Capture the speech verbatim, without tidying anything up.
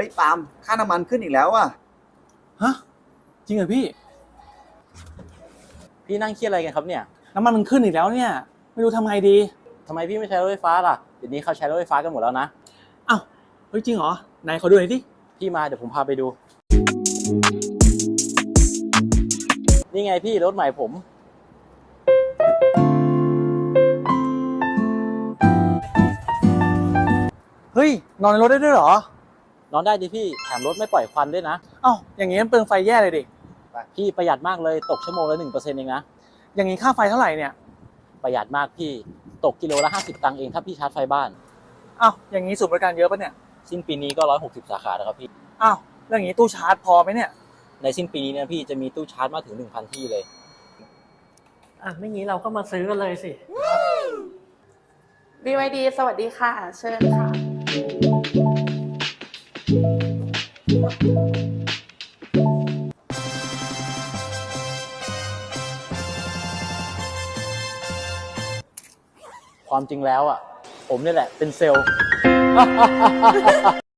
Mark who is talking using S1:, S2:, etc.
S1: ฮ้ยปาล์มค่าน้ำมันขึ้นอีกแล้วอ่ะ
S2: ฮะจริงเหรอพี่
S3: พี่นั่งเครียดอะไรกันครับเนี่ย
S2: น้ำมันมันขึ้นอีกแล้วเนี่ยไม่รู้ทำไงดี
S3: ทำไมพี่ไม่ใช้รถไฟฟ้าล่ะเดี๋ยวนี้เขาใช้รถไฟฟ้ากันหมดแล้วนะ
S2: อ้าวเฮ้ยจริงเหรอไหนขอดูหน่อยดิ
S3: พี่มาเดี๋ยวผมพาไปดูนี่ไงพี่รถใหม่ผม
S2: เฮ้ยนอนในรถได้ด้วยเหร
S3: อนอนได้ดิพี่แถมรถไม่ปล่อยควันด้วยนะ
S2: อ้าวอย่างงี้มันเปลืองไฟแย่เลยดิ
S3: พี่ประหยัดมากเลยตกชั่วโมงละหนึ่งเปอร์เซ็นต์เองนะ
S2: อย่างงี้ค่าไฟเท่าไหร่เนี่ย
S3: ประหยัดมากพี่ตกกิโลละห้าสิบตังค์เองถ้าพี่ชาร์จไฟบ้าน
S2: อ้าวอย่างงี้ศูนย์บริการเยอะปะเนี่ย
S3: สิ้นปีนี้ก็ร้อยหกสิบสาขาแล้วครับพี่
S2: อ้าวแล้วอย่างงี้ตู้ชาร์จพอไหมเนี่ย
S3: ในสิ้นปีนี้เนี่ยพี่จะมีตู้ชาร์จมากถึง หนึ่งพัน ที่เลย
S4: อ่ะไม่งี้เราก็มาซื้อกันเลยสิ
S5: บี วาย ดี สวัสดีค่ะ เชิญค่ะ
S3: ความจริงแล้วอ่ะผมนี่แหละเป็นเซลล์